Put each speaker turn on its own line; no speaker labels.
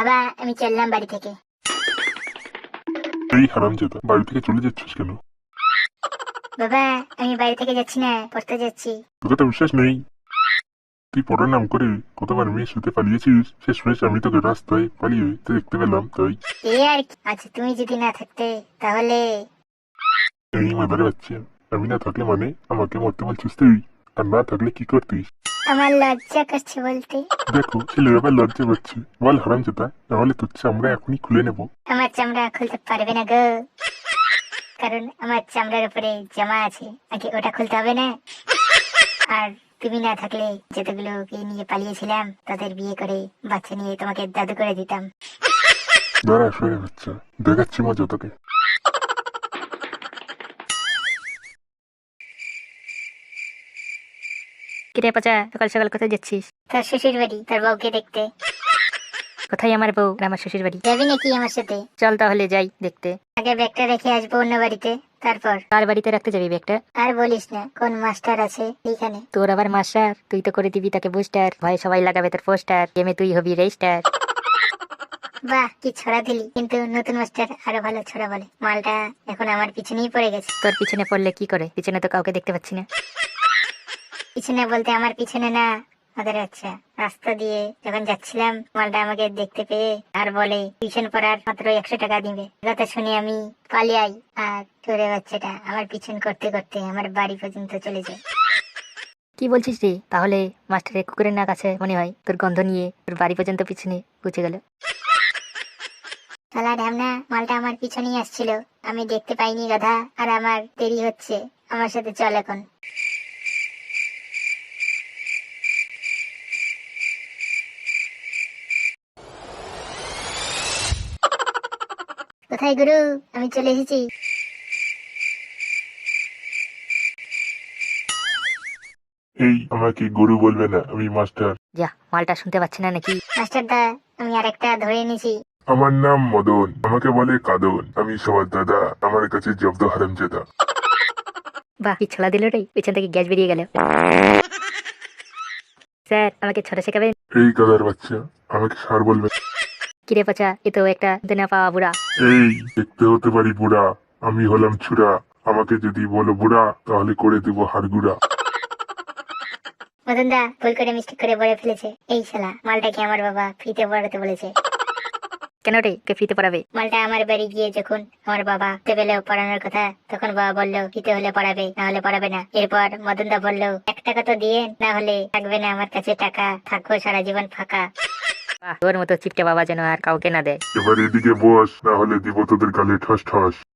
বাবা আমি চললাম বাড়ি থেকে।
এই হারামজাদা, বাড়ি থেকে চলে যাচ্ছিস কেন?
বাবা আমি বাড়ি থেকে যাচ্ছি না, পড়তে যাচ্ছি।
তোকে তো বিশ্বাস নেই। তুই পড়ার নাম করে কতবার মেয়ের সাথে পালিয়েছিস, শেষমেশ আমি তোকে রাস্তায় পালিয়ে দেখতে পেলাম, তাই।
এই আর কি? আচ্ছা তুমি যদি না থাকতে তাহলে।
এই মাদারে বাচ্চা, আমি না থাকলে মানে আমাকে মরতে বলছিস তুই? আর না থাকলে কি করতিস?
আমার লজ্জা করছে বলতে।
দেখো ছেলের আবার লজ্জা করছে। বল হারামজাদা, নাহলে তোর চামড়া এখনই খুলে নেবো।
আমার চামড়া খুলতে পারবে না গো, কারণ আমার চামড়ার উপরে জামা আছে, আগে ওটা খুলতে হবে না। আর তুমি না থাকলে যতগুলোকে নিয়ে পালিয়েছিলাম তাদের বিয়ে করে বাচ্চা নিয়ে তোমাকে দাদু করে দিতাম।
দাঁড়া শুয়ে বাচ্চা, দেখাচ্ছি মজা তোকে।
কিরে পচা, সকাল সকাল কোথায় যাচ্ছিস?
তোর শ্বশুর বাড়ি, তোর বউকে দেখতে।
কোথায় আমার বউ আর আমার শ্বশুর বাড়ি?
যাবি নাকি আমার সাথে?
চল তাহলে যাই দেখতে।
আগে ব্যাগটা রেখে আসবো অন্য বাড়িতে, তারপর।
কার বাড়িতে রাখতে যাবি ব্যাগটা?
আর বলিস না, কোন মাস্টার আছে এইখানে।
তোর আবার মাস্টার? তুই তো করে দিবি তাকে বুস্টার, ভয়ে সবাই লাগাবে তোর পোস্টার, গেমে তুই হবি রেজিস্টার।
বাহ কি ছড়া দিলি, কিন্তু নতুন মাস্টার আরো ভালো ছড়া বলে। মালটা এখন আমার পিছনেই পড়ে গেছে।
তোর পিছনে পড়লে কি করে? পিছনে তো কাউকে দেখতে পাচ্ছি না।
পিছনে বলতে আমার পিছনে না, ওদের আচ্ছা রাস্তা দিয়ে যখন যাচ্ছিলাম মালটা আমাকে দেখতে পেয়ে আর বলে টিউশন পড়ার মাত্র 100 টাকা দিবে। কথা শুনে আমি পালিয়ে আই, আর তোরে বাচ্চাটা আমার পিছন করতে করতে আমার বাড়ি পর্যন্ত চলে যায়।
কি বলছিস রে? তাহলে মাস্টারের কুকুরের নাক আছে মনে হয়, তোর গন্ধ নিয়ে তোর বাড়ি পর্যন্ত পিছনে পৌঁছে গেল।
শালা ঢ্যামনা, মালটা আমার পিছনেই আসছিল, আমি দেখতে পাইনি গাধা। আর আমার দেরি হচ্ছে, আমার সাথে চল এখন। কোথায় গুরু? আমি চলে এসেছি।
এই আমাকে গরু বলবে না, আমি মাস্টার।
যা, মালটা শুনতে পাচ্ছে না নাকি?
মাস্টারদা আমি আরেকটা ধরে এনেছি।
আমার নাম মদন, আমাকে বলে কাদন, আমি সবার দাদা, আমার কাছে জব্দ হারামজাদা।
বাহ কি ছলা দিল রে, পিছন থেকে গ্যাস বেরিয়ে গেল। স্যার আমাকে ছড়া শেখাবেন?
এই গাদার বাচ্চা, আমাকে সার বলবে?
কিরে পচা, এ তো একটা দেনা পাওয়া বুড়া।
এই দেখতে হতে পারি বুড়া, আমি হলাম ছুরা। আমাকে যদি বলো বুড়া, তাহলে করে দেবো হাড়গুড়া।
মদনদা ভুল করে মিস্টেক করে বলে ফেলেছে। এই শালা মালটাকে আমার বাবা ফ্রিতে পড়াতে বলেছে।
কেন রে, কে ফ্রিতে পড়াবে?
মালটা আমার বাড়ি গিয়ে যখন আমার বাবা টেবিলে পড়ানোর কথা, তখন বাবা বললো ফ্রিতে হলে পড়াবে, না হলে পড়াবে না। এরপর মদনদা বললো 1 টাকা তো দিয়ে, না হলে থাকবে না আমার কাছে টাকা, থাকবো সারা জীবন ফাঁকা।
বাহ, তোর মতো চিপটে বাবা যেন আর কাউকে না দেয়।
এবার এদিকে বস, না হলে দিব তোদের গালে ঠস ঠস।